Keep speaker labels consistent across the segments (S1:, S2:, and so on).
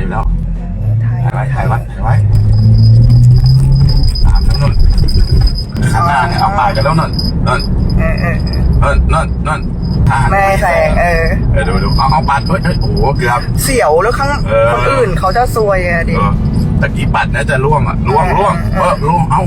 S1: อยู่แล้ว
S2: ถ่าย
S1: ไว้ตามทั้งนู่นข้างหน้าเนี่ยเอาปาดกันแล้วนั่นนั่น
S2: แม่แสง
S1: ดูเอาปัดโอ้โหเกือบ
S2: เสียวแล้วข้างคนอื่นเขาจะซวยอะดิ
S1: ตะกี้ปัดนะจะล่วงล่วงเอา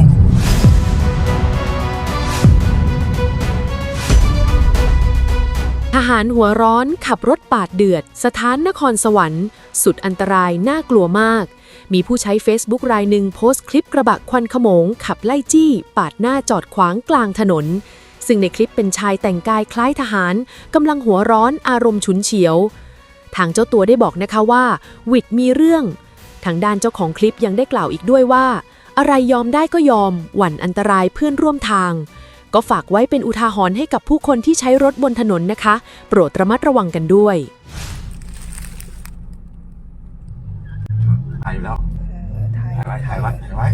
S3: ทหารหัวร้อนขับรถปาดเดือดสถานนครสวรรค์สุดอันตรายน่ากลัวมากมีผู้ใช้ Facebook รายหนึ่งโพสต์คลิปกระบะควันขโมงขับไล่จี้ปาดหน้าจอดขวางกลางถนนซึ่งในคลิปเป็นชายแต่งกายคล้ายทหารกำลังหัวร้อนอารมณ์ฉุนเฉียวทางเจ้าตัวได้บอกนะคะว่าวิดมีเรื่องทางด้านเจ้าของคลิปยังได้กล่าวอีกด้วยว่าอะไรยอมได้ก็ยอมหวั่นอันตรายเพื่อนร่วมทางก็ฝากไว้เป็นอุทาหรณ์ให้กับผู้คนที่ใช้รถบนถนนนะคะโปรดระมัดระวังกันด้วย
S1: ถ่ายอยู่แล้วถ่ายไว้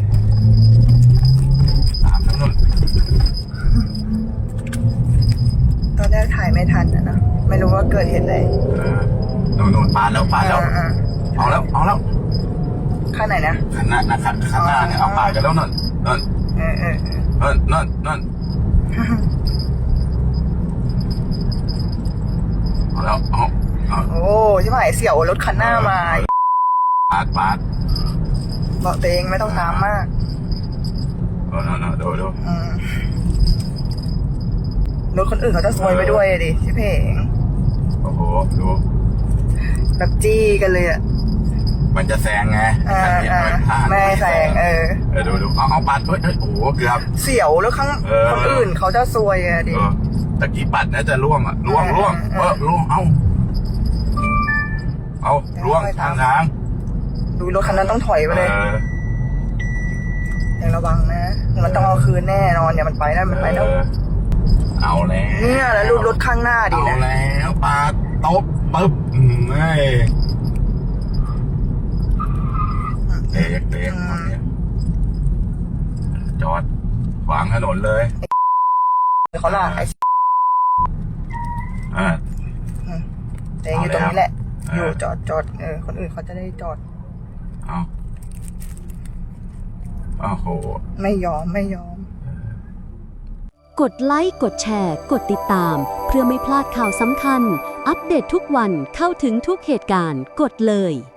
S1: ตามทั้งนู่น
S2: ตอนแรกถ่ายไม่ทันนะไม่รู้ว่าเกิดเหตุอะไร
S1: นู่นปาดแล้วเอาแล้ว
S2: ข้างไหนนะ
S1: ข้างหน้าเนี่ยเอาปาดกันแล้วนั่นเอาแล้ว
S2: โอ้ใช่ไหมเสี่ยวรถคันหน้ามา
S1: ปาด
S2: บอกตัวเองไม่ต้องตามมาก
S1: ดู
S2: รถคนอื่นเขาจะซวยไปด้วยดิพี่เพง
S1: โอ้โหดู
S2: แบบจี้กันเลยอะ
S1: มันจะแซงไง
S2: แม่แซง
S1: ดูเอาปัดโอ้โหเกือบ
S2: เสียวแล้วข้างคนอื่นเขาจะซวยอะดิ
S1: ตะกี้ปัดนะจะล่วงล่วงเอาล่วงทาง
S2: ดูรถคันนั้นต้องถอยไปเลยอย่างระวังนะมันต้องเอาคืนแน่นอนอย่ามันไปแล้ว
S1: เอาแล้ว
S2: เนี่ยแล้วรูปรถข้างหน้าดินะ
S1: เอาแล้วปาดตบปึ๊บเตะจอดขวางถนนเลย
S2: เขาล่ะเตะอยู่ตรงนี้แหละอยู่จอดคนอื่นเขาจะได้จอด
S1: โอ้โห
S2: ไม่ยอม
S4: กดไลค์กดแชร์กดติดตามเพื่อไม่พลาดข่าวสำคัญอัปเดตทุกวันเข้าถึงทุกเหตุการณ์กดเลย